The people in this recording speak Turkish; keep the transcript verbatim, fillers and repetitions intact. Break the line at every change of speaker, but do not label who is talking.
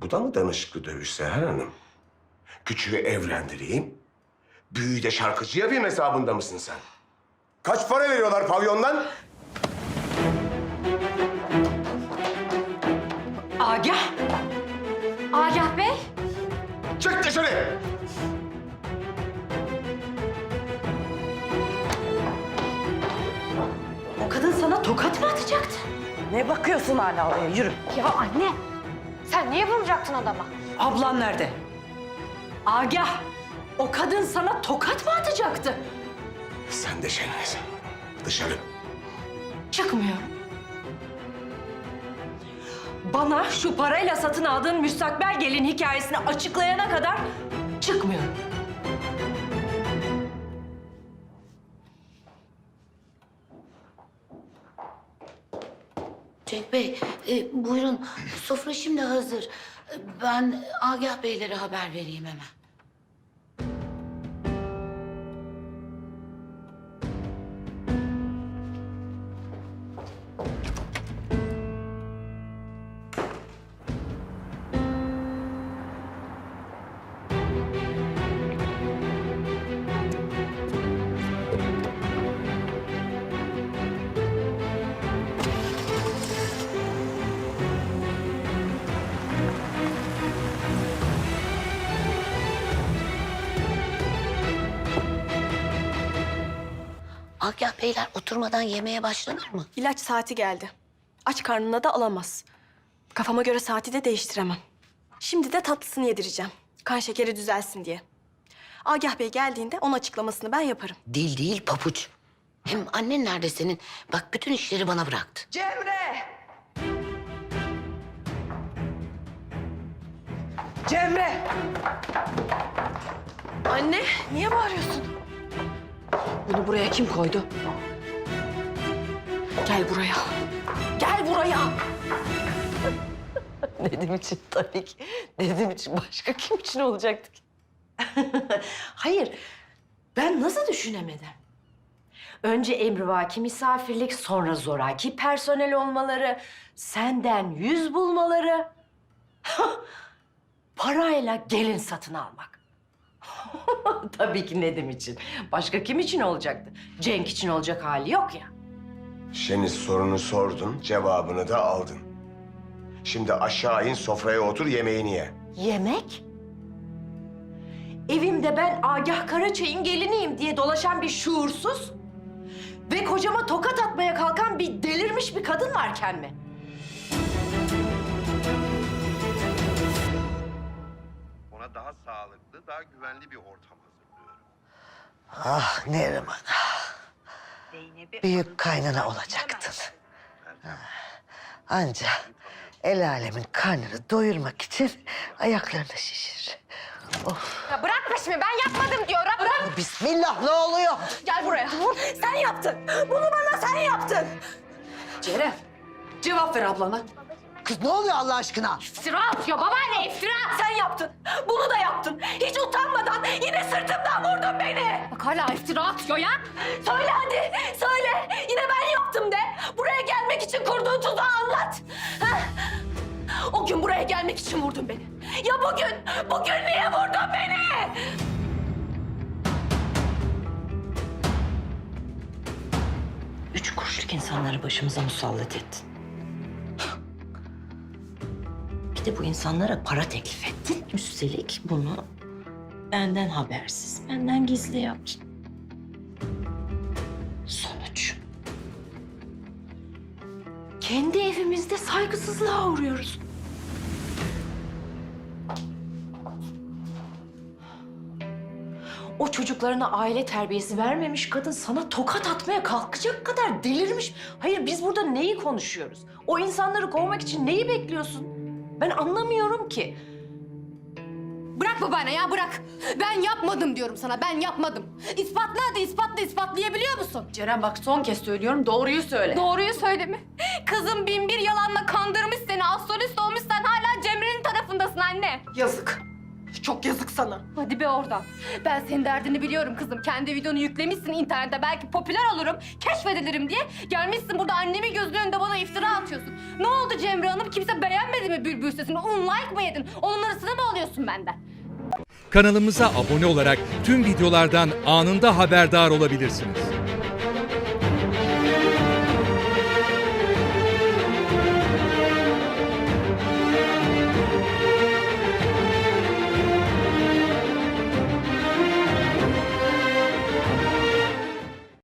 Bu da mı danışıklı dövüş Seher Hanım? Küçüğü evlendireyim, büyüğü de şarkıcı yapayım hesabında mısın sen? Kaç para veriyorlar pavyondan?
Agah! Agah Bey!
Çık dışarı!
O kadın sana tokat mı atacaktı?
Ne bakıyorsun hala oraya? Yürü.
Ya anne, sen niye vuracaktın adama?
Ablan nerede?
Agah! O kadın sana tokat mı atacaktı?
Sen de Şeniz. Dışarı.
Çıkmıyorum. Bana şu parayla satın aldığın müstakbel gelin hikayesini açıklayana kadar çıkmıyorum.
Cenk Bey, e, buyurun. Sofra şimdi hazır. E, Ben Agah Beylere haber vereyim hemen. Agah Beyler oturmadan yemeğe başlanır mı?
İlaç saati geldi. Aç karnına da alamaz. Kafama göre saati de değiştiremem. Şimdi de tatlısını yedireceğim. Kan şekeri düzelsin diye. Agah Bey geldiğinde onun açıklamasını ben yaparım.
Değil değil papuç. Hem annen nerede senin? Bak bütün işleri bana bıraktı.
Cemre! Cemre!
Anne, niye bağırıyorsun?
Bunu buraya kim koydu?
Gel buraya. Gel buraya.
Nedim için tabii ki. Nedim için başka kim için olacaktı ki?
Hayır, ben nasıl düşünemedim? Önce emrivaki misafirlik, sonra zoraki personel olmaları, senden yüz bulmaları. Parayla gelin satın almak. Tabii ki Nedim için. Başka kim için olacaktı? Cenk için olacak hali yok ya.
Şeniz sorunu sordun, cevabını da aldın. Şimdi aşağı in, sofraya otur, yemeğini ye.
Yemek? Evimde ben Agah Karaçay'ın geliniyim diye dolaşan bir şuursuz ve kocama tokat atmaya kalkan bir delirmiş bir kadın varken mi?
Ona daha sağlıklı, daha güvenli bir ortam hazırlıyorum.
Ah Neriman. Büyük kaynana olacaktın. Anca el alemin karnını doyurmak için ayaklarını şişir. Of.
Ya bırak peşimi, ben yapmadım diyorum. Bırak.
Bismillah, ne oluyor?
Gel buraya. Sen yaptın. Bunu bana sen yaptın. Ceren, cevap ver ablana.
Kız ne oluyor Allah aşkına?
İftira atıyor babaanne, iftira.
Sen yaptın. Bunu da yaptın. Hiç utanmadan yine sırtımdan vurdun beni.
Bak hala iftira atıyor ya.
Söyle hadi, söyle. Yine ben yaptım de. Buraya gelmek için kurduğun tuzağı anlat. Ha? O gün buraya gelmek için vurdun beni. Ya bugün, bugün niye vurdun beni?
Üç kuruşluk insanları başımıza musallat ettin. Bir de bu insanlara para teklif ettin. Üstelik bunu benden habersiz, benden gizli yaptın. Sonuç.
Kendi evimizde saygısızlığa uğruyoruz. O çocuklarına aile terbiyesi vermemiş kadın sana tokat atmaya kalkacak kadar delirmiş. Hayır, biz burada neyi konuşuyoruz? O insanları kovmak için neyi bekliyorsun? Ben anlamıyorum ki.
Bırak babaanne ya, bırak. Ben yapmadım diyorum sana, ben yapmadım. İspatla hadi, ispatla, ispatlayabiliyor musun?
Ceren bak son kez söylüyorum, doğruyu söyle.
Doğruyu söyle mi? Kızım bin bir yalanla kandırmış seni, astrolist olmuş, sen hala Cemre'nin tarafındasın anne.
Yazık. Çok yazık sana.
Hadi be oradan. Ben senin derdini biliyorum kızım. Kendi videonu yüklemişsin internete. Belki popüler olurum, keşfedilirim diye. Gelmişsin burada annemin gözünün önünde bana iftira atıyorsun. Ne oldu Cemre Hanım? Kimse beğenmedi mi Bülbül sesini? Un like mı yedin? Onun arasına mı alıyorsun benden?
Kanalımıza abone olarak tüm videolardan anında haberdar olabilirsiniz.